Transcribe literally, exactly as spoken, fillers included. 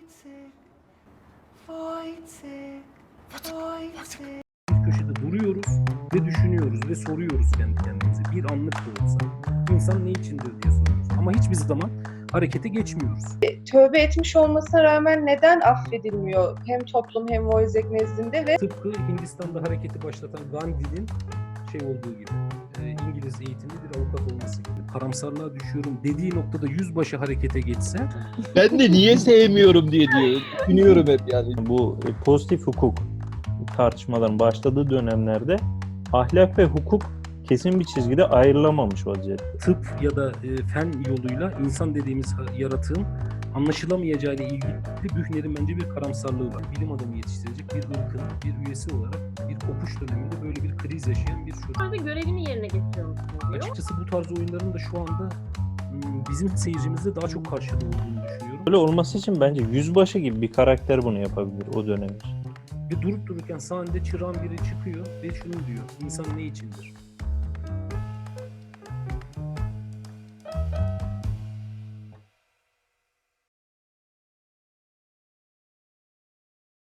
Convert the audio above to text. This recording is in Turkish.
Bir köşede duruyoruz ve düşünüyoruz ve soruyoruz kendi kendimize. Bir anlık da olsa insan ne içindir diye soruyoruz. Ama hiçbir zaman harekete geçmiyoruz. Tövbe etmiş olmasına rağmen neden affedilmiyor hem toplum hem Wojciech nezdinde ve Tıpkı Hindistan'da hareketi başlatan Gandhi'nin şey olduğu gibi, e, İngiliz eğitimli bir avukat olması gibi. Karamsarlığa düşüyorum dediği noktada yüzbaşı harekete geçse Ben de niye sevmiyorum diye diye düşünüyorum hep yani. Bu e, pozitif hukuk tartışmaların başladığı dönemlerde ahlak ve hukuk kesin bir çizgide ayrılamamış vaziyette. tıp ya da e, fen yoluyla insan dediğimiz ha- yaratığın anlaşılamayacağı ile ilgili Büchner'in bence bir karamsarlığı var. Bilim adamı yetiştirecek bir ırkın bir üyesi olarak bir kopuş döneminde böyle bir kriz yaşayan bir çocuk. Orada görevini yerine getiriyor musun diyor. Açıkçası bu tarz oyunların da şu anda m, bizim seyircimizde daha çok karşılığı olduğunu düşünüyorum. Böyle olması için bence yüzbaşı gibi bir karakter bunu yapabilir o dönem için. Ve durup dururken sahnede çırağın biri çıkıyor ve şunu diyor: İnsan ne içindir?